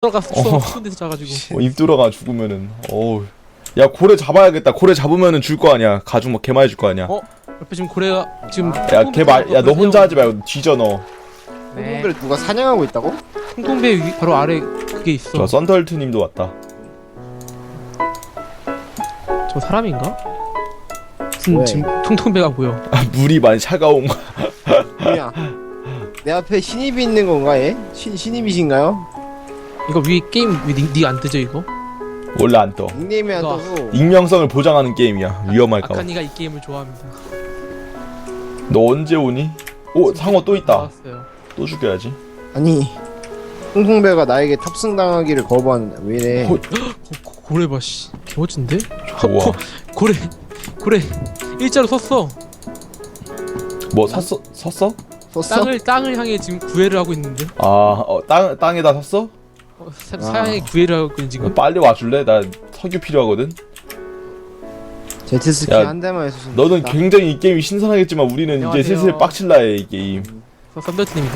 들어가서 추운 데서 자가지고. 입 들어가 죽으면은 어우. 야 고래 잡아야겠다. 고래 잡으면은 줄 거 아니야. 가죽 막 개 많이 줄 거 아니야. 옆에 지금 고래가 지금. 야 너 혼자 하지 말고 뒤져 너. 홍콩배를 누가 사냥하고 있다고? 통통배 위 바로 아래 그게 있어. 저 썬덜트님도 왔다. 저 사람인가? 무슨 왜? 지금 통통배가 보여. 물이 많이 차가운 거. 뭐야? 내 앞에 신입이 있는 건가 얘? 신입이신가요? 이거 위에 게임 니 안 뜨죠 이거? 원래 안 떠. 닉네임이 안 이거. 떠서 익명성을 보장하는 게임이야. 위험할까 봐. 아카니가 이 게임을 좋아합니다. 너 언제 오니? 오 상어 또 있다. 나왔어요. 또 죽여야지. 아니 홍콩배가 나에게 탑승당하기를 거부하는데 왜 이래? 고래 봐 씨. 개멋진데? 좋아. 고래 일자로 섰어. 뭐 섰어? 썼어? 땅을 향해 지금 구애를 하고 있는데. 땅에다 섰어? 사양에 구애를 하고 있는 지금. 빨리 와줄래? 나 석유 필요하거든. 제트스키 야, 한 대만 했었으면 너는 좋겠다. 굉장히 이 게임이 신선하겠지만 우리는 이제 안녕하세요. 슬슬 빡칠라 해 이 게임. 썬더트입니다.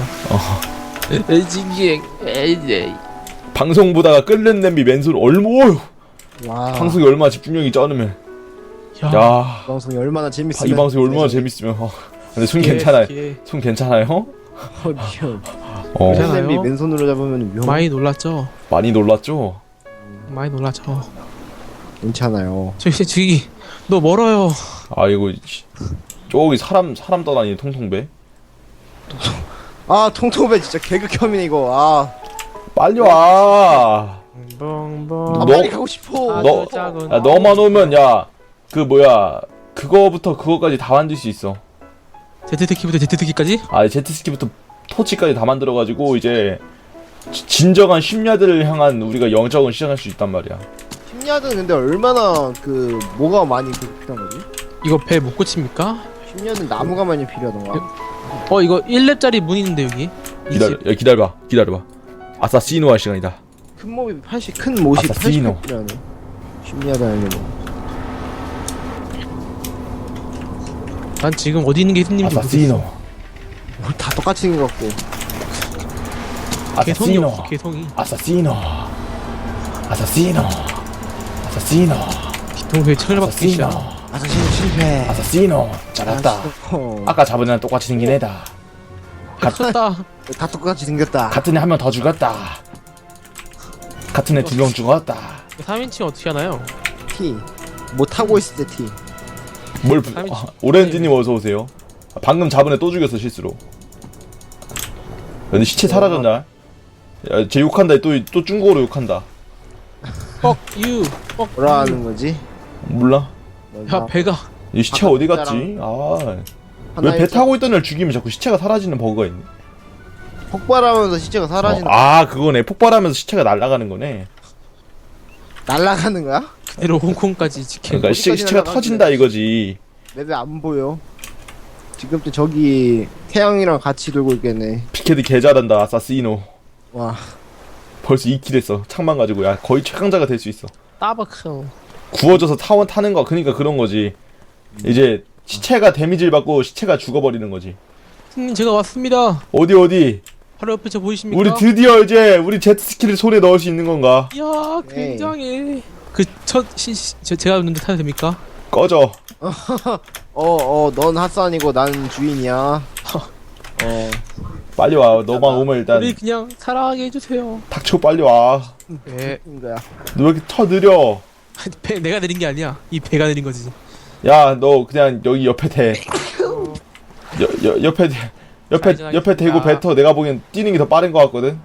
방송 보다가 끓는 냄비 맨손 얼마 와 방송이 얼마나 집중력이 쩌르면 야 방송이 얼마나 이 재밌으면 방송이 얼마나 재밌으면 근데 손 괜찮아요? 손 괜찮아요? 위험. 괜찮아요? 냄비 맨손으로 잡으면 위험. 많이 놀랐죠? 많이 놀랐죠? 많이 놀랐죠. 괜찮아요. 저기 너 멀어요. 아이고 저기 사람 떠다니는 통통배. 아 통통배 진짜 개극혐이네 이거. 아, 빨리 와. 뻥뻥. 빨리 가고 싶어. 너- 작은 야 너만 오면 야 그 뭐야 그거부터 그거까지 다 만들 수 있어. 제트스키부터 제트스키까지? 제트스키부터 토치까지 다 만들어가지고 이제 진정한 심야들을 향한 우리가 영적을 시작할 수 있단 말이야. 심야는 근데 얼마나 그 뭐가 많이 필요한 거지? 이거 배 못 고칩니까? 심야는 나무가 많이 필요하던가. 이거 1렙짜리 문 있는데 여기. 이 집. 기다려봐. 아사시노 할 시간이다. 큰 몹이 80, 큰 못이 아사시노. 80 필요하네. 심야도 아니고. 난 지금 어디 있는 게 있는지 아사시노. 다 똑같이 생겼고. 개성이 아사시노. 없어 개성이. 아사시노. 뒤통수에 철을 박기 아사시노. 시작. 아사시노 실패. 아사시노. 잘했다. 아까 잡은 애랑 똑같이 생긴 애다. 쳤다. 다 똑같이 생겼다. 같은 애 한 명 더 죽었다. 같은 애 2명 죽었다. 3인칭 어떻게 하나요? T. 뭐 타고 있을 때 T. 오렌지님 어서 오세요. 방금 잡은 애 또 죽였어 실수로. 근데 시체 사라졌냐? 야, 쟤 욕한다. 또 중국어로 욕한다. Fuck you. Fuck 뭐라 you. 하는 거지? 몰라? 야 배가. 이 시체 어디 갔지? 왜 배 타고 있던 애를 죽이면 자꾸 시체가 사라지는 버그가 있네. 폭발하면서 시체가 사라지는 그거네. 폭발하면서 시체가 날아가는 거네. 날아가는 거야? 그대로 홍콩까지 지켜. 그러니까 어디까지 시체가 날아가는데? 터진다 이거지. 맵에 안 보여. 지금 또 저기 태양이랑 같이 돌고 있겠네. 피케드 개 잘한다. 아사시노. 와. 벌써 2킬 했어. 창만 가지고. 야 거의 최강자가 될 수 있어. 따박형. 구워져서 타는 거. 그러니까 그런 거지. 이제 시체가 데미지를 받고 시체가 죽어버리는 거지. 형님 제가 왔습니다. 어디? 바로 옆에 저 보이십니까? 우리 드디어 이제 우리 제트스키를 손에 넣을 수 있는 건가? 이야 굉장해. 제가 있는데 타도 됩니까? 꺼져. 넌 핫산이고 난 주인이야. 빨리 와. 너만 오면 일단 우리 그냥 사랑하게 해주세요. 닥쳐 빨리 와. 네. 인거야. 너 왜 이렇게 터 느려? 배 내가 내린 게 아니야. 이 배가 내린 거지. 야, 너 그냥 여기 옆에 대. 옆에 대고 뱉어. 내가 보기엔 뛰는 게 더 빠른 것 같거든.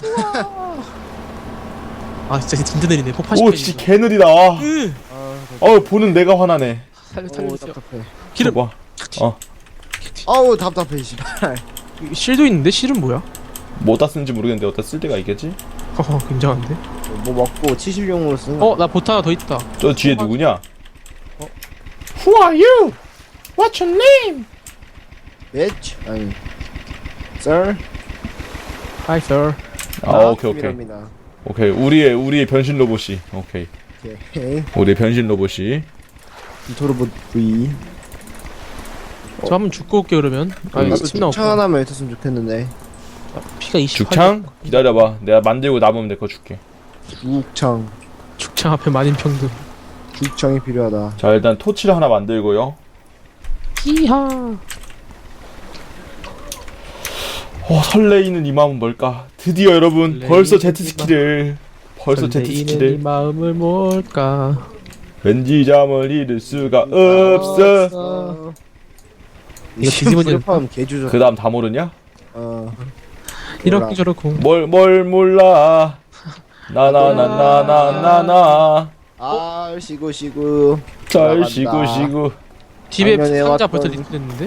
아 진짜 내리네. 폭파 오, 시켜야지. 진짜 개 느리다. 보는 내가 화나네. 살려주세요. 답답해. 기름. 봐. 아우 답답해 씨발. 실도 있는데 실은 뭐야? 뭐 어디다 쓰는지 모르겠는데 어디다 쓸 데가 있겠지? 굉장한데? 뭐 먹고 치실용으로 쓰는 거. 나 보트 하나 더 있다. 저 뒤에 누구냐? Who are you? What's your name? bitch. 아니. sir. Hi sir. 오케이. 우리의 변신 로봇이. 오케이. 우리의 변신 로봇이. 이토로봇 V. 저 한번 죽고 올게 그러면. 침 나왔고. 차 하나만 있었으면 좋겠는데. 피가 28. 죽창? 기다려봐. 내가 만들고 남으면 내 거 줄게. 죽창. 죽창 앞에 만인평등. 죽창이 필요하다. 자, 일단 토치를 하나 만들고요. 히하. 설레이는 이 마음은 뭘까? 드디어 여러분, 설레이는 벌써 이 제트스키를. 벌써 설레이는 이 제트스키를. 마음을 뭘까? 왠지 잠을 잃을 수가 없어. 이거 뒤집어지는 불판 개주죠. 그 다음 다 모르냐? 이렇게 저렇고. 뭘 몰라. 나나나나나나나. 아 시구. 잘 쉬고. 집에 작년에 상자 왔던- 벌써 리스트됐는데?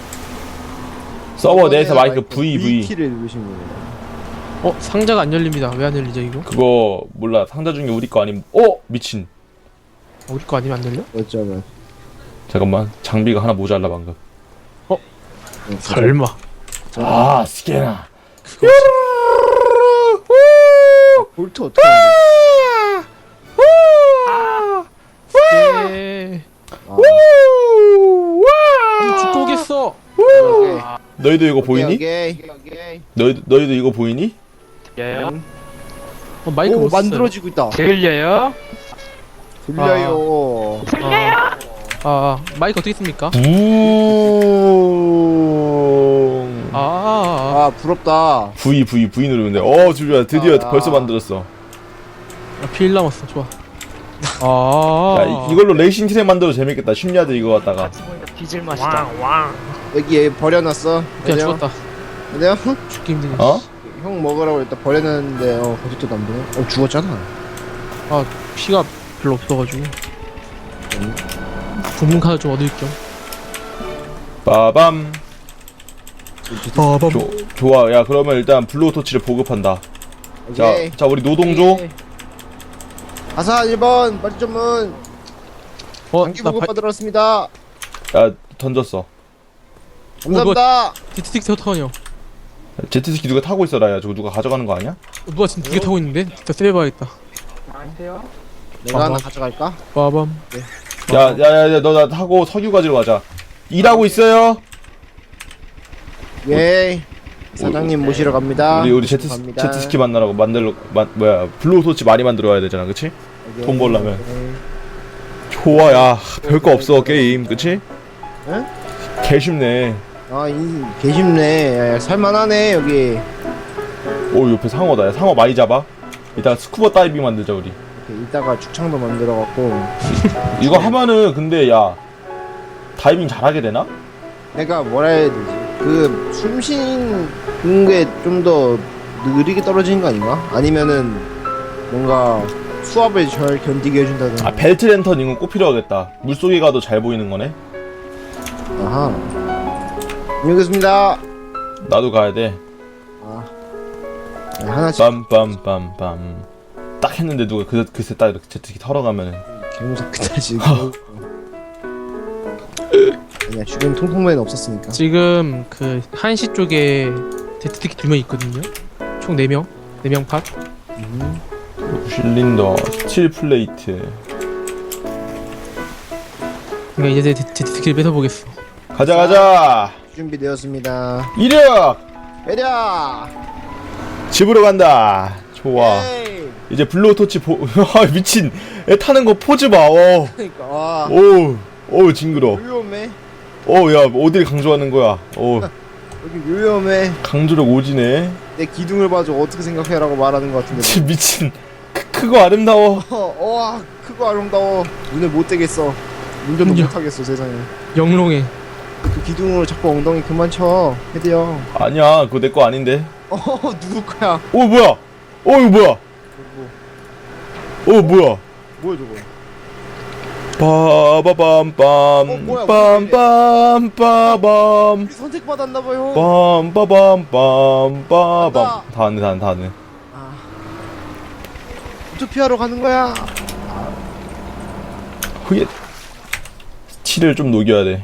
서버 내에서 마이크 VV. V키를 누르신 거예요. 상자가 안 열립니다. 왜 안 열리죠 이거? 그거 몰라. 상자 중에 우리 거 아니면 미친. 우리 거 아니면 안 열려? 어쩌면. 잠깐만. 장비가 하나 모자라 방금. 설마. 아, 스캐나. 볼트 어떻게 하는 예. 거야? 죽고 오겠어. 너희도 이거 보이니? 오케이. 너희도 이거 보이니? 마이크 오 못 썼어요. 만들어지고 있다. 들려요? 들려요. 마이크 어떻게 씁니까? 붕. 아 부럽다. V 누르면 돼. 주주야 드디어 벌써 만들었어. 빌 남았어. 좋아. 야, 이걸로 레이싱 트랙 만들어 재밌겠다. 심리아들 이거 갖다가. 같이 보니까 뒤질 맛이다. 여기 얘 버려놨어. 그냥 죽었다. 내가 죽기 힘드네. 형 먹으라고 일단 버려놨는데 거짓도 안 보네. 죽었잖아. 피가 별로 없어가지고. 부문 카드 좀 얻을 겸. 빠밤. 빠밤. 좋아. 야, 그러면 일단 블루 토치를 보급한다. 오케이. 자, 우리 노동조. 아사 1번 빨리 전문. 장기 나 보급 받으러 왔습니다. 야, 던졌어. 감사합니다. 디트틱스 어떡하냐? 제트스키 누가 타고 있어라. 야, 저거 누가 가져가는 거 아니야? 누가 지금 2개 타고 있는데? 더 세배봐야겠다. 안녕하세요. 내가 하나 가져갈까? 빠밤. 야, 너 나 타고 석유 가지러 가자. 일하고 있어요? 예. 사장님 모시러 갑니다. 우리 갑니다. 제트스키 만나라고 블루 토치 많이 만들어 와야 되잖아. 그치? 오케이. 돈 벌려면. 오케이. 좋아. 야, 별거 없어. 게임. 그치? 응? 개 쉽네. 개쉽네. 야, 살만하네 여기. 옆에 상어다. 야, 상어 많이 잡아. 이따 스쿠버 다이빙 만들자 우리. 이렇게 이따가 죽창도 만들어갖고. 이거 하면은 근데 야 다이빙 잘하게 되나? 내가 뭐라 해야 되지? 그 숨쉬는 게 좀 더 느리게 떨어지는 거 아닌가? 아니면은 뭔가 수압을 잘 견디게 해준다든가. 벨트 랜턴 이건 꼭 필요하겠다. 물속에 가도 잘 보이는 거네. 아하. 안녕하겠습니다. 나도 가야 돼. 네, 하나씩. 빰빰빰빰. 딱 했는데 누가 그새 딱 이렇게 제트기 털어가면은. 개무섭겠다 지금. 아니야 주변 통통맨 없었으니까. 지금 그 한시 쪽에 데트틱이 2명 있거든요. 총 4명. 4명 팟. 실린더, 스틸 플레이트. 그러니까 이제 데트틱을 뺏어보겠어. 가자. 준비되었습니다. 이력 매력. 집으로 간다. 좋아. 에이. 이제 블루 토치 미친. 애 타는 거 포즈 봐. 그러니까 와. 징그러. 위험해. 야, 어딜 강조하는 거야? 여기 위험해. 강조력 오지네. 내 기둥을 봐줘 어떻게 생각해라고 말하는 것 같은데. 미친. 크고 아름다워. 와 크고 아름다워. 눈을 못 떼겠어. 운전도 야. 못하겠어 세상에. 영롱해. 그 기둥으로 자꾸 ong덩이 그만 쳐. 헤드 형. 아니야, 그거 내 거 아닌데. 누구 거야? 뭐야? 이거 뭐야? 뭐야? 뭐야 저거? 빠바밤빰 뭐야, 빰빰빠밤 선택받았나봐요. 빰빠밤빰 빠밤 간다. 다 왔네. 투피하러 가는 거야. 그게 스틸을 좀 녹여야 돼.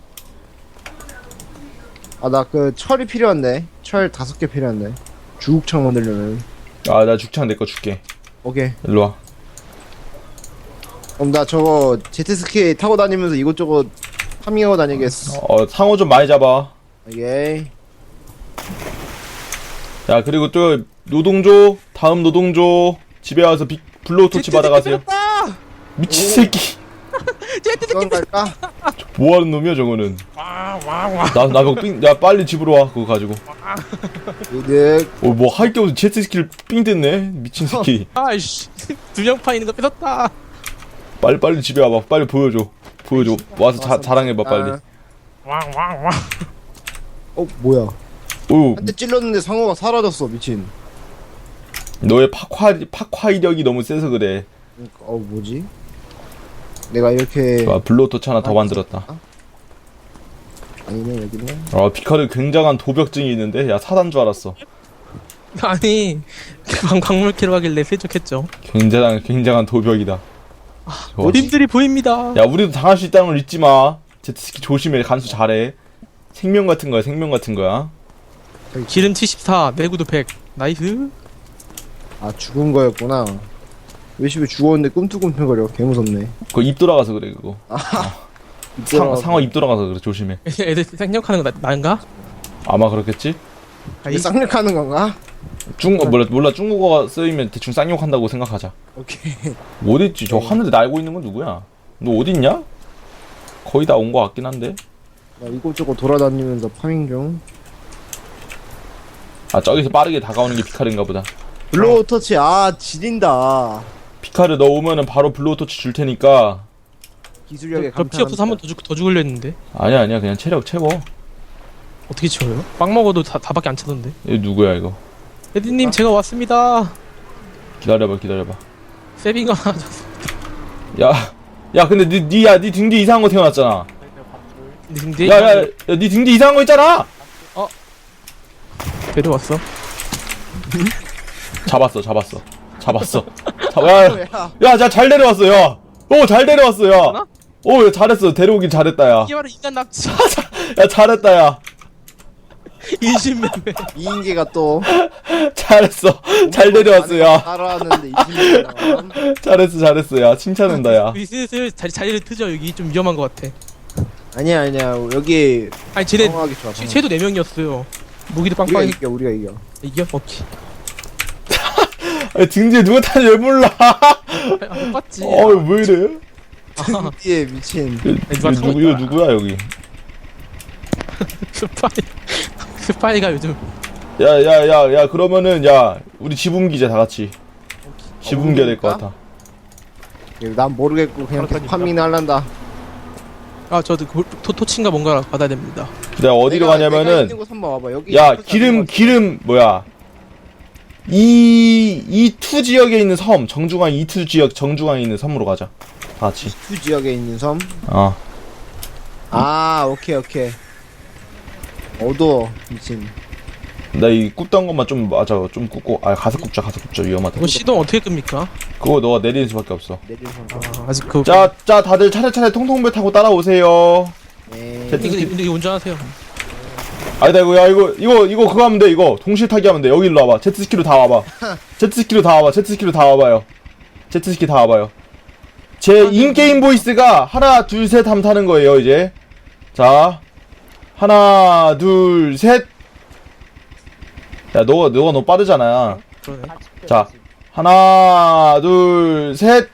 나 그 철이 필요한데. 철 5개 필요한데. 주국창 만들려면. 나 죽창 내 거 줄게. 오케이. 일로 와. 그럼 나 저거 제트스키 타고 다니면서 이것저것 파밍하고 다니겠어. 상어 좀 많이 잡아. 오케이. 야 그리고 또 노동조 다음 노동조 집에 와서 블로우 토치 받아가세요. 미친 새끼. 이건 갈까? 뭐하는 놈이야 저거는. 야 빨리 집으로 와 그거 가지고. 이득. 뭐 할 게 없어 제트 스킬 삥 뜯네 미친 새끼. 아이씨 2명 파 있는 거 뺏었다. 빨리 집에 와봐. 빨리 보여줘. 와서 자랑해봐 빨리. 뭐야? 오 한 대 찔렀는데 상어가 사라졌어 미친. 너의 파화 이력이 너무 세서 그래. 뭐지? 내가 이렇게 와 블로우 토치 하나 더 만들었다. 아니네 여기네. 아 피카르 굉장한 도벽증이 있는데 야 사단 줄 알았어. 아니 광물캐로 하길래 세척했죠. 굉장한 도벽이다. 좋아. 님들이 보입니다. 야 우리도 당할 수 있다는 걸 잊지 마. 제트스키 조심해. 간수 잘해. 생명 같은 거야. 기름 74, 내구도 100. 나이스. 아 죽은 거였구나. 왜 집에 죽었는데 꿈틀꿈틀거려. 개 무섭네. 그거 입 돌아가서 그래 그거. 상어 입 돌아가서 그래 조심해. 애들 생략하는 거 난가? 아마 그렇겠지? 이게 쌍욕하는 건가? 몰라 중국어가 쓰이면 대충 쌍욕한다고 생각하자. 오케이. 어딨지? 저 하늘에 날고 있는 건 누구야? 너 어딨냐? 거의 다 온 거 같긴 한데. 나 이곳저곳 돌아다니면서 파밍 중. 아 저기서 빠르게 다가오는 게 피카르인가 보다. 블로우 터치 지린다. 피카르 너 오면은 바로 블로우 토치 줄 테니까. 기술력에 피 없어서 한 번 더 죽으려 했는데 아니야 그냥 체력 채워. 어떻게 치워요? 빵 먹어도 다밖에 안 차던데. 이거 누구야 이거? 에디님 제가 왔습니다. 기다려봐. 세빙가 하나 줬어. 야 근데 네 등 뒤 이상한 거 태어났잖아. 근데 네 등 뒤 이상한 거 있잖아. 데려왔어. 잡았어. 야 잘 데려왔어 야. 잘 데려왔어 야. 하나? 야, 잘했어. 데려오긴 잘했다 야. 이게 바로 인간 납치. 야 잘했다 야. 인신매매. 이인계가 또 잘했어. 잘 데려왔어 야. 따라하는데 이인계가 잘했어 야. 칭찬한다 야. 우리 슬슬 자리를 트죠. 여기 좀 위험한 것 같아. 아니야 여기 아니 쟤네 방어하기 좋아. 쟤도 4명이었어요. 무기도 우리가 빵빵히 이겨 우리가 이겨. 이겨? 오케이. 아니, 등 뒤에 누가 타는지 왜 몰라. 못 봤지. 왜 이래? 예 미친. 이거 누구야 여기? 스파이가 요즘 야 그러면은 야 우리 지붕기자 다 같이. 지붕기가 될 것 같아. 난 모르겠고 그냥 계속 파밍 할란다. 저도 토친가 뭔가 받아야 됩니다. 내가 어디로 내가 가냐면은 있는 곳 한번 와봐. 여기 야 기름 뭐야 E2 지역에 있는 섬 정중앙 E2 지역 정중앙에 있는 섬으로 가자 다 같이. 두 지역에 있는 섬. 오케이. 어두워 미친. 나 이 굽던 것만 좀 좀 굽고 가서 굽자 위험하다. 이거 시동 어떻게 끕니까? 그거 너가 내리는 수밖에 없어. 내릴 섬. 아직 그. 자 다들 차례차례 통통배 타고 따라오세요. 네. 근데 이거 운전하세요. 아니다 이거 그거 하면 돼. 이거 동시에 타기 하면 돼. 여기 일로 와봐. 제트스키로 다 와봐. 제트스키 다 와봐요. 제 인게임 보이스가 하나 둘 셋 하면 타는 거예요 이제. 자 하나 둘 셋. 야 너가 너무 빠르잖아. 그러네. 자 하나 둘 셋.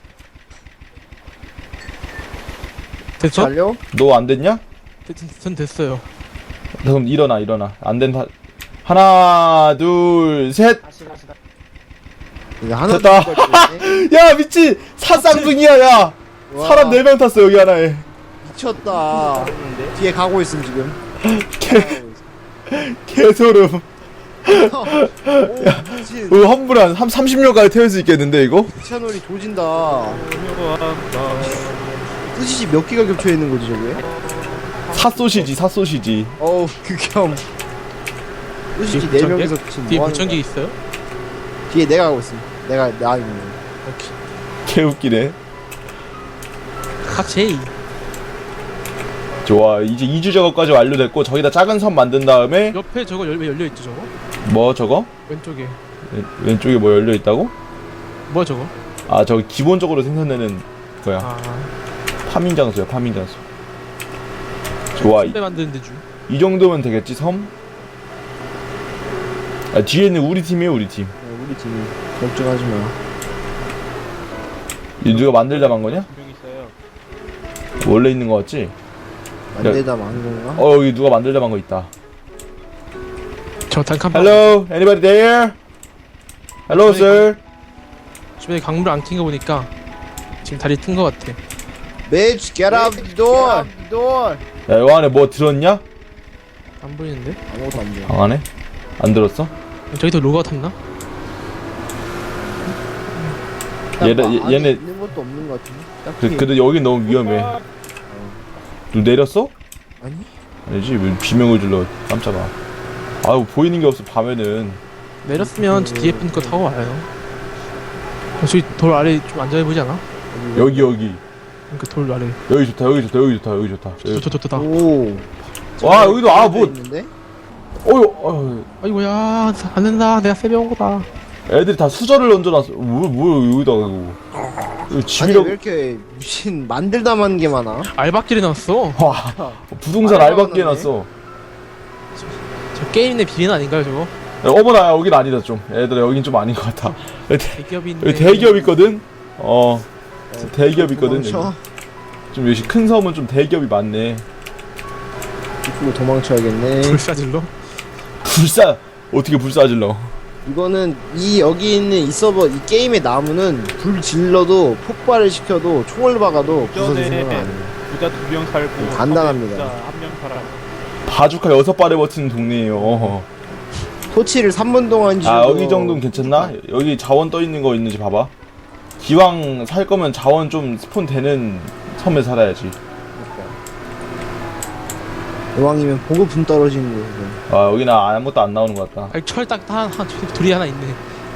됐어? 달려? 너 안 됐냐? 전 됐어요. 그럼 일어나. 안 된다. 하나 둘 셋. 이거 하나 됐다. 둘 야 미친 사쌍둥이야 야. 와. 사람 4명 탔어 여기 하나에. 미쳤다. 뒤에 가고 있음 지금. 개소름. 오 미친. 환불 한 30명까지 태울 수 있겠는데 이거? 채널이 조진다. 뜻이 몇 개가 겹쳐 있는 거지 저게? 사소시지. 어우 극혐. 뜻이 뒤에 4명이서 지금 뒤에 뭐 하는 무전기 거야? 있어요? 뒤에 내가 가고 있음. 나 있는. 오케이. 개웃기네. 칵쉐이. 좋아 이제 2주 작업까지 완료됐고 저기다 작은 섬 만든 다음에 옆에 저거 왜 열려있지 저거? 뭐 저거? 왼쪽에. 왼쪽에 뭐 열려있다고? 뭐야 저거? 저기 기본적으로 생산되는 거야. 파밍 장소야. 좋아 배 만드는 데주. 이 정도면 되겠지 섬? 아, 뒤에는 우리 팀이에요, 우리 팀. 우리 팀이 걱정하지 마. 이 누가 만들다 만 거냐? 분명 있어요. 원래 있는 거 같지? 만들다 만 건가? 여기 누가 만들다 만 거 있다. 저 단칸 Hello, anybody there? Hello, sir. 주변에 강물 안 튄 거 보니까 지금 다리 튼 거 같아. Bitch, get out the door. door. 야, 요 안에 뭐 들었냐? 안 보이는데? 아무것도 안 보여. 방 안에? 안 들었어? 저기도 로그아웃 했나? 얘네 있는 것도 없는 것 같은데. 딱히. 근데 여긴 너무 위험해. 누 내렸어? 아니? 아니지, 왜 비명을 질러. 깜짝아. 아유, 보이는 게 없어, 밤에는. 내렸으면 저 뒤에 분 거 타고 와요. 저기 돌 아래 좀 안전해 보이지 않아? 여기. 그 돌 아래. 여기 좋다. 여기 좋다. 오. 와, 여기도, 뭐. 있는데? 어휴. 아이고야, 안 된다. 내가 세배 온 거다. 애들이 다 수저를 얹어놨어. 뭐, 여기다가, 이거. 이거 아니 집이라고. 왜 이렇게 미친 만들다만 게 많아? 알바끼리 나왔어. 와, 부동산 알바끼 해놨어. 저 게임 내 비리는 아닌가요, 저거? 야, 어머나, 여긴 아니다, 좀. 얘들아, 여긴 좀 아닌 것 같아. 대기업인데. 여기 대기업 있거든? 대기업 있거든. 도망쳐. 여기. 좀 역시 큰 섬은 좀 대기업이 많네. 이쪽으로 도망쳐야겠네. 불사질러? 어떻게 불사질러? 이거는 여기 있는 이 서버 이 게임의 나무는 불 질러도 폭발을 시켜도 총을 박아도 부서질 생각은 안 해요. 부자 2명 살고 간단합니다. 부자 1명 살아. 바주카 6발에 버티는 동네에요. 토치를 3분 동안 지르고. 아, 여기 정도는 괜찮나? 여기 자원 떠있는 거 있는지 봐봐. 기왕 살 거면 자원 좀 스폰 되는 섬에 살아야지. 여왕이면 보급품 떨어지는 곳에서. 아, 여기는 아무것도 안 나오는 것 같다. 아니 철 딱 돌이 하나 있네.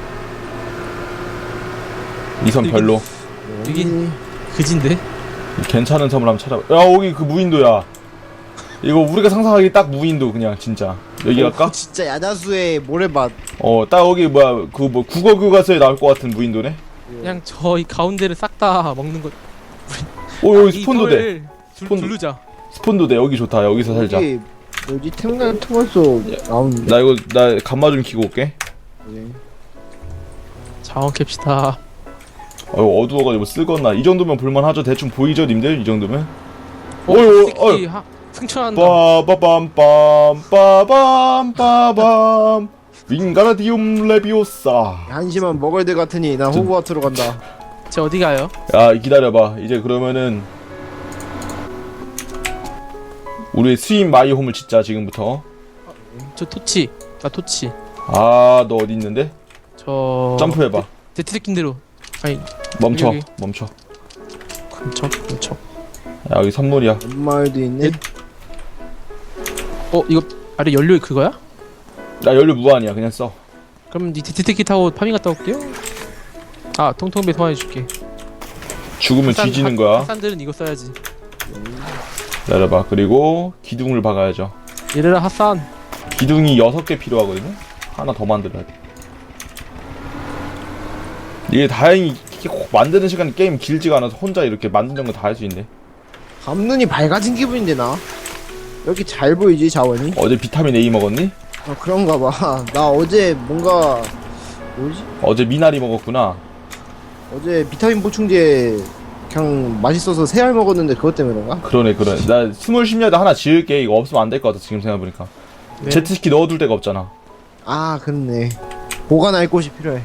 이 섬 별로. 여긴 그진데? 괜찮은 섬을 한번 찾아봐. 야, 여기 그 무인도야. 이거 우리가 상상하기 딱 무인도 그냥 진짜. 여기 갈까? 진짜 야자수의 모래밭. 딱 여기 뭐야 그 뭐 국어 교과서에 나올 것 같은 무인도네. 그냥 저 이 가운데를 싹 다 먹는 것. 여기 스폰도 돼. 스폰- 두르자. 스폰도 돼. 여기 좋다. 여기서 살자. 여기 뭐지 템 같은 거서 나오는데. 나 감마 좀 키고 올게. 네. 자원 캡시다. 어두워가지고 쓸거나 이 정도면 볼만하죠. 대충 보이죠, 님들? 이 정도면. 새끼 승천한다. 빠밤 윙가라디움 레비오사. 한심한 먹을들 같으니 난 호그와트로 간다. 저 어디 가요? 야, 기다려봐. 이제 그러면은 우리의 스윗 마이홈을 짓자. 지금부터. 저 토치. 나 토치. 아, 너 어디 있는데? 저 점프해봐. 데트새낀 대로. 아니 멈춰. 여기. 멈춰. 근처. 야, 여기 선물이야. 엄마을도 있네. 이거 아래 연료 그거야? 나 연료 무한이야. 그냥 써. 그럼 니 데트새끼 타고 파밍 갔다 올게요. 아 통통배 소환해줄게. 죽으면 뒤지는 거야. 핫산들은 이거 써야지. 기다려봐. 그리고 기둥을 박아야죠. 이래라 핫산. 기둥이 6개 필요하거든요. 하나 더 만들어야 돼. 이게 다행히 이렇게 꼭 만드는 시간이 게임 길지가 않아서 혼자 이렇게 만드는 거 다 할 수 있네. 밤눈이 밝아진 기분인데 나. 왜 이렇게 잘 보이지 자원이? 어제 비타민 A 먹었니? 그런가 봐. 나 어제 뭔가 뭐지? 어제 미나리 먹었구나. 어제 비타민 보충제 그냥 맛있어서 3알 먹었는데 그것 때문에 그런가? 그러네. 나 스물 심야도 하나 지을게. 이거 없으면 안 될 것 같아. 지금 생각해보니까. 네. 제트스키 넣어둘 데가 없잖아. 아 그렇네. 보관할 곳이 필요해.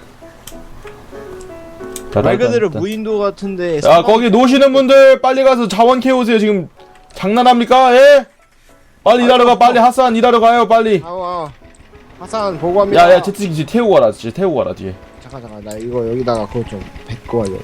말 그대로 무인도 같은데. 야, 거기 노시는 분들 빨리 가서 자원 캐오세요. 지금 장난합니까? 예? 빨리 일하러 가. 빨리 핫산 일하러 가요. 빨리. 아와. 하산 보고합니다. 야, 제트스키 뒤에 태우고 가라. 뒤에. 잠깐 나 이거 여기다가 그거 좀 뱉고 가려.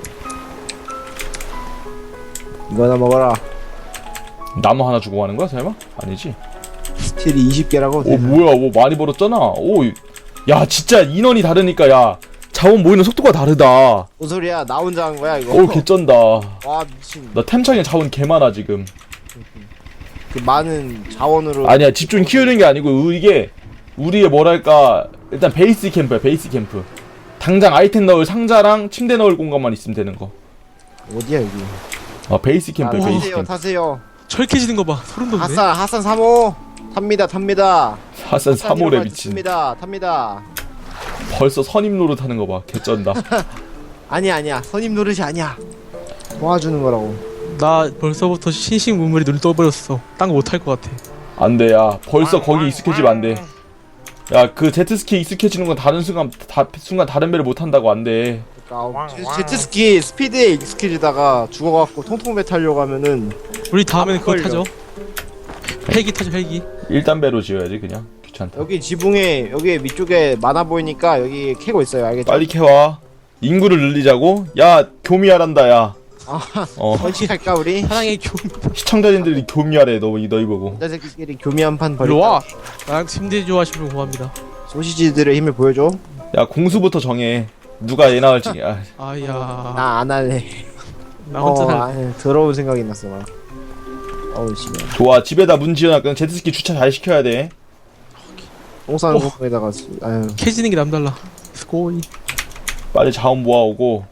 이거나 먹어라. 나무 하나 주고 가는 거야, 설마? 아니지. 스틸이 20개라고. 오, 뭐야, 많이 벌었잖아. 오, 야, 진짜 인원이 다르니까, 야, 자원 모이는 속도가 다르다. 뭔 소리야? 나 혼자 한 거야 이거. 오, 개쩐다. 와 미친. 나 템창에 자원 개 많아, 지금. 그 많은 자원으로. 아니야, 집중 키우는 게 아니고, 이게, 우리의 뭐랄까, 일단 베이스 캠프야, 베이스 캠프. 당장 아이템 넣을 상자랑 침대 넣을 공간만 있으면 되는 거. 어디야 여기? 베이스 캠프야, 베이스 타세요 캠프. 타세요. 철캐지는 거 봐. 소름 돋네. 하산 3호 탑니다. 핫산 3호래 미친. 탑니다. 벌써 선임 노릇하는 거 봐. 개쩐다. 아니야. 선임 노릇이 아니야. 도와주는 거라고. 나 벌써부터 신식문물이 눈을 떠버렸어. 딴 거 못할 것 같아. 안 돼, 야. 벌써 거기 익숙해지면 안 돼. 야, 그 제트스키 익숙해지는 건 다른 순간 다른 배를 못 한다고 안 돼. 그러니까 제트스키 스피드에 익숙해지다가 죽어갖고 통통배 타려고 하면은 우리 다음에는 그거 걸려. 타죠. 헬기 타죠, 헬기. 1단배로 지어야지, 그냥. 귀찮다. 여기 지붕에 여기 위쪽에 많아 보이니까 여기 캐고 있어요. 알겠죠? 빨리 캐와. 인구를 늘리자고? 야, 교미하란다, 야. 번식할까 우리? 사랑의 교. 시청자님들이 교미하래, 너희 보고. 남자새끼끼리 교미 한 판 일로 벌일까? 와. 나랑 침대 좋아하시면 고맙니다. 소시지들의 힘을 보여줘. 야, 공수부터 정해. 누가 얘 나올지. 야, 아야. 나 안 할래. 나 혼자 살. 아니, 더러운 생각이 났어 나. 어우 씨발. 좋아, 집에다 문 지어놨거든. 제트스키 주차 잘 시켜야 돼. 똥 싸는 공에다가 아유. 캐지는 게 남달라. 스코이. 빨리 자원 모아오고.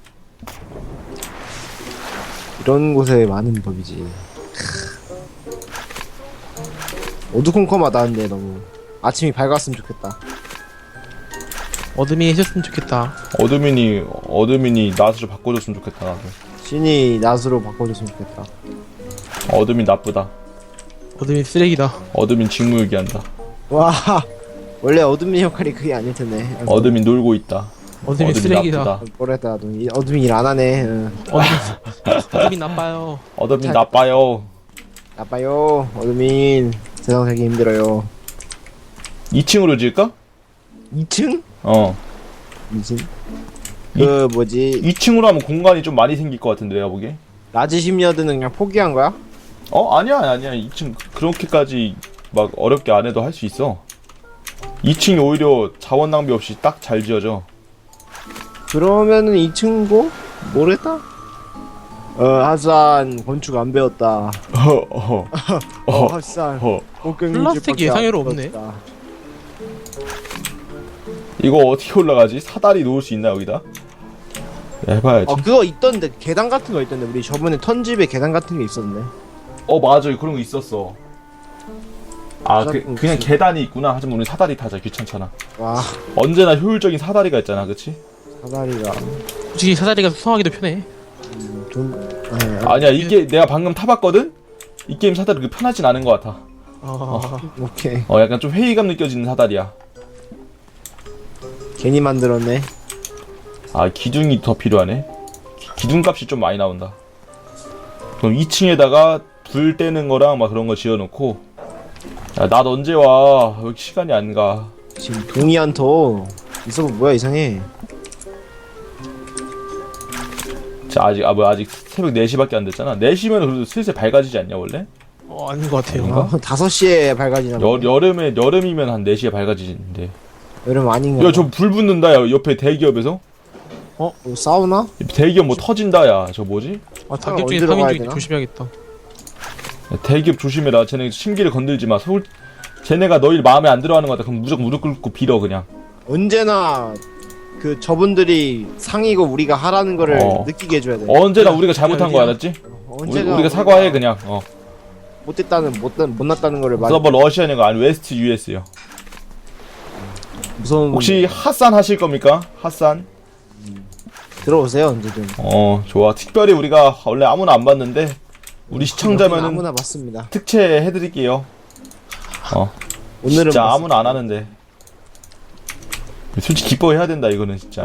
이런 곳에 많은 법이지. 어두컴컴하다는데 너무 아침이 밝았으면 좋겠다. 어둠이 해줬으면 좋겠다. 어드민이 낫을 바꿔줬으면 좋겠다, 나도. 신이 낮으로 바꿔줬으면 좋겠다. 어드민 나쁘다. 어둠이 쓰레기다. 어드민 직무유기한다. 와 원래 어둠의 역할이 그게 아닐 텐데. 어드민 놀고 있다. 어둠이 쓰레기다. 나쁘다. 뭐랬다 어둠이 일 안 하네. 응. 어둠이 나빠요. 어드민 자- 나빠요. 나빠요 어둠인. 세상 살기 힘들어요. 2층으로 지을까? 2층? 어. 2층? 그 뭐지 2층으로 하면 공간이 좀 많이 생길 것 같은데, 내가 보기에. 라지 심리어드는 그냥 포기한 거야? 아니야. 2층 그렇게까지 막 어렵게 안 해도 할 수 있어. 2층이 오히려 자원 낭비 없이 딱 잘 지어져. 그러면은 2층고? 뭐랬다? 하산 건축 안 배웠다. 하산 플라스틱 예상외로 없네. 이거 어떻게 올라가지? 사다리 놓을 수 있나, 여기다? 해봐야지. 그거 있던데 계단 같은 거 있던데 우리 저번에 턴집에 계단 같은 게 있었네. 맞아. 그런 거 있었어. 그냥 계단이 있구나. 하지만 우리 사다리 타자. 귀찮잖아. 와 언제나 효율적인 사다리가 있잖아, 그치? 사다리가 솔직히 사다리가 수성하기도 편해. 아니야, 이게 내가 방금 타봤거든? 이 게임 사다리 그렇게 편하진 않은 것 같아. 오케이 약간 좀 회의감 느껴지는 사다리야. 괜히 만들었네. 기둥이 더 필요하네. 기둥값이 좀 많이 나온다. 그럼 2층에다가 불 떼는 거랑 막 그런 거 지어놓고. 야, 낮 언제 와? 왜 이렇게 시간이 안 가? 지금 동이 안터 있어 뭐야 이상해. 자, 아직 새벽 4시밖에 안 됐잖아. 4시면 그래도 슬슬 밝아지지 않냐, 원래? 아닌 것 같아요. 아닌가? 5시에 밝아지나 보네. 여름이면 한 4시에 밝아지는데. 여름 아닌가? 야, 저 불 붙는다, 야, 옆에 대기업에서. 뭐 싸우나? 대기업 뭐 터진다, 야. 저 뭐지? 단격 중에 어디로 3인 가야 중에 되나? 조심해야겠다. 야, 대기업 조심해라. 쟤네 심기를 건들지 마. 쟤네가 너희 마음에 안 들어하는 거 같아. 그럼 무조건 무릎 꿇고 빌어, 그냥. 언제나 그 저분들이 상이고 우리가 하라는 거를 느끼게 해줘야 돼. 언제나 우리가 잘못한 거 알았지? 언제나 우리가 사과해, 그냥. 못됐다는 못났다는 거를 말. 서버 러시아냐가 아니 웨스트 US요. 무서운. 혹시 핫산 하실 겁니까? 핫산? 들어오세요 언제든. 좋아. 특별히 우리가 원래 아무나 안 봤는데 우리 시청자면은 아무나 봤습니다. 특채 해드릴게요. 오늘은 진짜 봤습니다. 아무나 안 하는데. 솔직히 기뻐해야 된다, 이거는 진짜.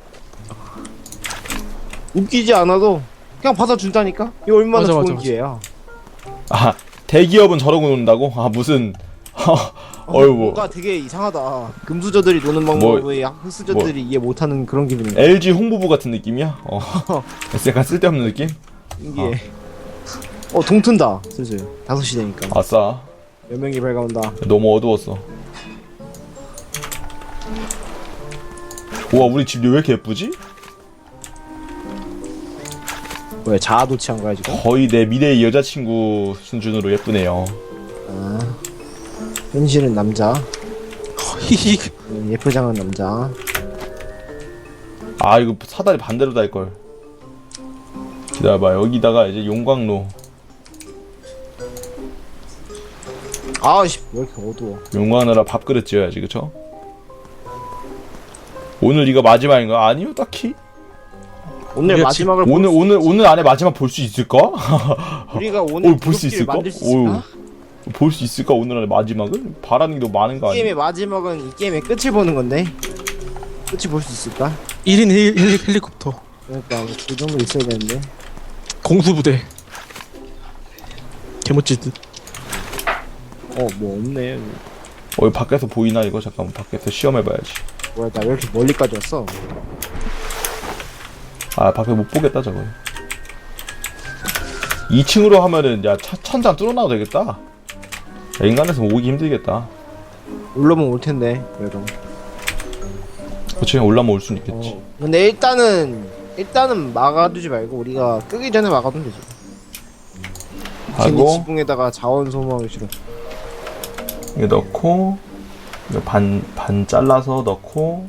웃기지 않아도 그냥 받아준다니까. 이거 얼마나 맞아, 좋은 맞아, 맞아. 기회야. 대기업은 저러고 논다고? 무슨 어이구. 뭔가 되게 이상하다. 금수저들이 노는 방법이 흑수저들이 이해 못하는 그런 기분인가. LG 홍보부 같은 느낌이야? 약간 쓸데없는 느낌? 신기해. 동 튼다. 슬슬 5시 되니까. 아싸. 몇 명이 밝아온다. 너무 어두웠어. 우와, 우리 집 왜 이렇게 예쁘지? 뭐야 자아 도취한 거야 지금? 거의 내 미래의 여자친구 수준으로 예쁘네요. 현실은 남자. 히히. 예쁘장한 남자. 이거 사다리 반대로 달걸. 기다려봐. 여기다가 이제 용광로. 아씨 왜 이렇게 어두워. 용광나라 밥그릇 지어야지, 그쵸? 오늘 이거 마지막인가? 아니요, 딱히. 오늘 우리가 마지막을 오늘 안에 마지막 볼 수 있을까? 우리가 오늘 볼 수 부럽기를 있을까? 만들 수 있을까? 볼 수 있을까? 오늘 안에 마지막을? 바라는 게 너무 많은 거 아니야? 게임의 마지막은 이 게임의 끝을 보는 건데 끝이 볼 수 있을까? 1인 1 헬리콥터 그러니까 그 정도 있어야 되는데. 공수부대 개멋지듯. 뭐 없네. 여기 밖에서 보이나 이거? 잠깐만 밖에서 시험해봐야지. 뭐야 나 왜 이렇게 멀리까지 왔어? 아 밖에 못 보겠다 저거. 2층으로 하면은 야 천장 뚫어놔도 되겠다. 야, 인간에서 오기 힘들겠다. 올라오면 올 텐데 그래도. 그치 올라면 올 수는 있겠지. 근데 일단은 막아두지 말고 우리가 끄기 전에 막아두면 되지. 괜히 하고 지붕에다가 자원 소모하기 싫어. 이거 넣고 이거 반 잘라서 넣고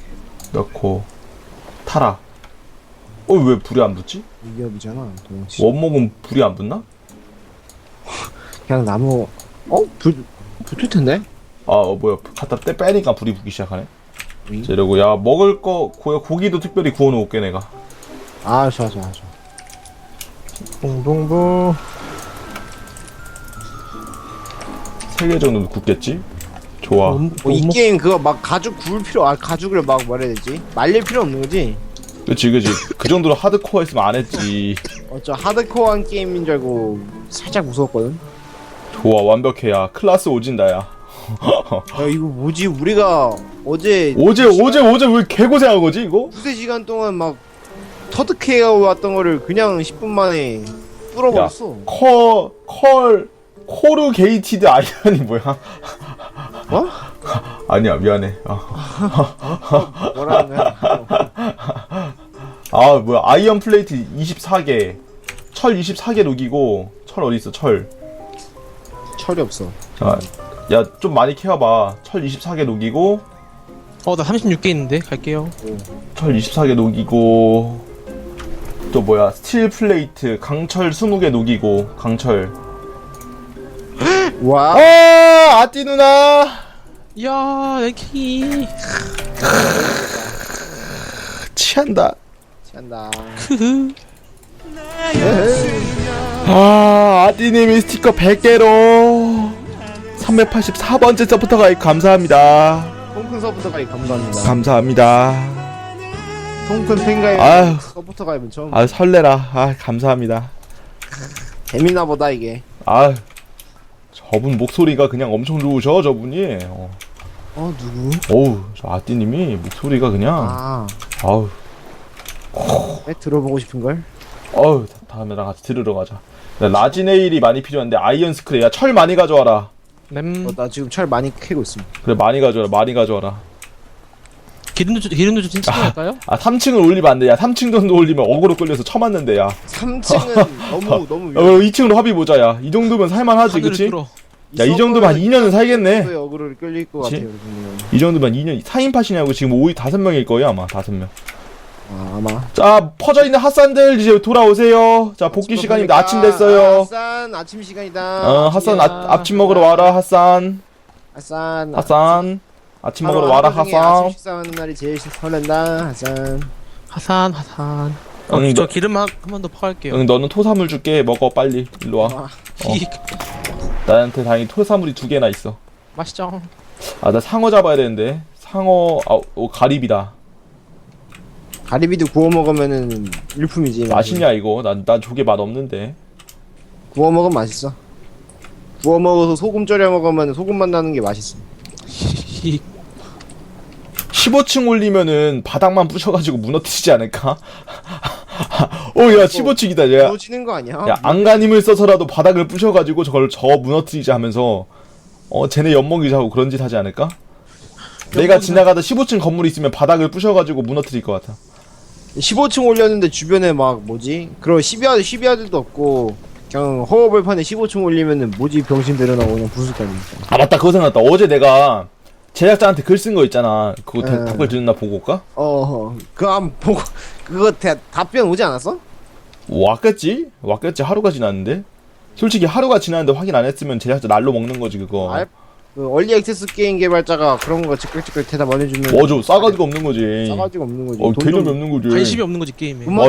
타라. 왜 불이 안 붙지? 위협이잖아. 도망치. 원목은 불이 안 붙나? 그냥 나무. 붙을 텐데. 뭐야 갖다 빼니까 불이 붙기 시작하네. 응? 자, 이러고 야 먹을 거 고기도 특별히 구워놓을게 내가. 좋아. 동동부 3개 정도 굽겠지? 좋아. 이 게임 그거 막 가죽 구울 가죽을 막 뭐라 해야 되지? 말릴 필요 없는 거지? 그치 그 정도로 하드코어 했으면 안 했지. 저 하드코어한 게임인 줄 알고 살짝 무서웠거든. 좋아 완벽해. 야 클라스 오진다 야. 야 이거 뭐지? 우리가 어제 어제 왜 개고생한 거지 이거? 두세 시간 동안 막 터득해 왔던 거를 그냥 10분 만에 뚫어버렸어. 코르 게이티드 아이언이 뭐야? 어? 아니야 미안해. 뭐라는 거야? 뭐야 아이언 플레이트 24개 철 24개 녹이고 철 어딨어 철. 철이 없어. 야 좀 많이 캐와봐. 철 24개 녹이고 나 36개 있는데 갈게요. 철 24개 녹이고 또 뭐야 스틸 플레이트 강철 20개 녹이고 강철. 와. 아띠 누나. 야 랭킹이 취한다. 찬다. 아띠님이 스티커 100개로 384번째 서부터 가입 감사합니다. 통큰 서부터 가입 감사합니다. 감사합니다. 통큰 팬가입 아유. 서부터 가입은 처음. 설레라. 감사합니다. 재밌나 보다 이게. 저분 목소리가 그냥 엄청 좋으셔 저분이. 누구? 어우 저 아띠님이 목소리가 그냥 아우 왜 들어보고 싶은 걸? 다음에 나랑 같이 들으러 가자. 라지네일이 많이 필요한데 아이언 스크레이. 야 철 많이 가져와라. 나 지금 철 많이 캐고 있음. 그래 많이 가져와라. 기름도 좀 챙겨갈까요? 3층을 올리면 안 돼. 야 3층 정도 올리면 어그로 끌려서 쳐맞는데 야. 3층은 너무 위험해. 2층으로 합의 보자. 야 이 정도면 살만하지 하늘을 그치? 뚫어. 야 이 정도면 한 2년은 살겠네. 어그로를 끌릴 것 그치? 같아요. 여러분은. 이 정도면 2년 4인팟이냐고. 지금 5명일 거예요 아마 5명. 아마. 자 퍼져있는 핫산들 이제 돌아오세요. 자 복귀 시간입니다. 아침 됐어요. 핫산 아침 시간이다. 핫산 아침 먹으러 와라 핫산. 핫산. 아침 먹으러 와라 아침 핫산. 식사하는 날이 제일 설렌다. 핫산. 하산. 응, 저 기름 한 번 더 퍼갈게요. 응 너는 토사물 줄게. 먹어 빨리 일로 와. 나한테 다행히 토사물이 2개나 있어. 맛있죠? 나 상어 잡아야 되는데. 상어 가리비다. 가리비도 구워 먹으면은 일품이지. 맛있냐 이거? 난 조개 맛 없는데. 구워 먹으면 맛있어. 구워 먹어서 소금 절여 먹으면 소금 맛 나는 게 맛있어. 15층 올리면은 바닥만 부셔가지고 무너뜨리지 않을까? 야 15층이다 야. 무너지는 거 아니야? 야 안간힘을 써서라도 바닥을 부셔가지고 저 무너뜨리자 하면서 쟤네 엿먹이자고 그런 짓 하지 않을까? 내가 지나가다 15층 건물이 있으면 바닥을 부셔가지고 무너뜨릴 것 같아. 15층 올렸는데 주변에 막 뭐지? 그런 시비아들도 없고 그냥 허허벌판에 15층 올리면은 뭐지 병신들은 하고 그냥 부술 거 아닙니까? 맞다 그거 생각났다. 어제 내가 제작자한테 글 쓴 거 있잖아. 그거 에. 답글 듣나 보고 올까? 그거 한번 보고 그거 답변 오지 않았어? 왔겠지 하루가 지났는데. 솔직히 하루가 지났는데 확인 안 했으면 제작자 날로 먹는 거지 그거. 그 얼리 액세스 게임 개발자가 그런 거 즉각즉각 대답 안 해주면 맞아 싸가지가 없는 거지. 싸가지가 없는 거지. 어 돈 개념이 좀- 없는 거지. 관심이 없는 거지 게임에. 돈